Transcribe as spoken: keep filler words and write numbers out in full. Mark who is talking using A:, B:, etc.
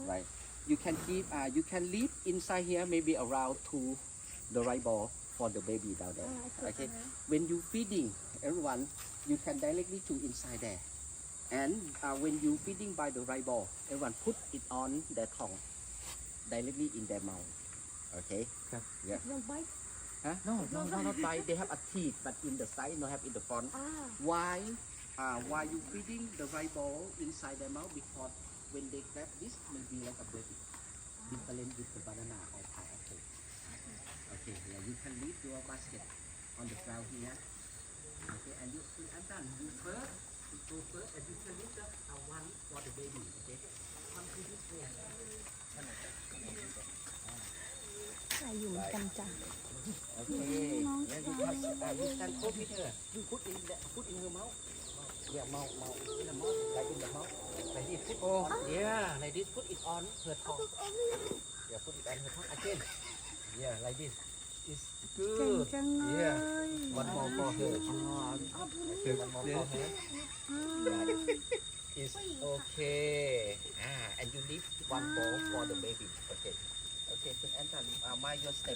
A: right? You can keep, uh, you can leave inside here maybe around to the right ball for the baby down there.
B: Ah,
A: Okay.
B: uh-huh.
A: When you feeding everyone, you can directly to inside there. And uh, when you feeding by the right ball, everyone put it on their tongue, directly in their mouth. Okay.
C: ครับ
A: Yeah.
B: Don't bite.
A: Huh? No, no, no, not bite. They have a teeth, but in the side, not have in the front.
B: Ah.
A: Why? Uh, why you feeding the right ball inside their mouth? Because when they grab this, may be like a baby, different with the banana or pineapple. Okay, yeah, you can leave your basket on the ground here. Okay, and you see, I'm done. You first, you go first, and you can leave the uh, one for the baby. Okay, come to this way.
B: ใส่อยู่เหมือนกันจ้ะ
A: Okay, yeah, you can, uh, you can put it here. You put in the, put in your mouth. Yeah, mouth, mouth, in the mouth, like in the mouth. Like this, put on. Yeah, like this, put it on her tongue. Yeah, put it on her tongue again. Yeah, like this. It's
B: เก่ง
A: good.
B: จังเลย
A: Yeah. One more for her. Okay, one more for her. Yeah. It's okay. Ah, and you leave one bowl for the baby. Okay. Okay, Kun Anton, uh, mind your step.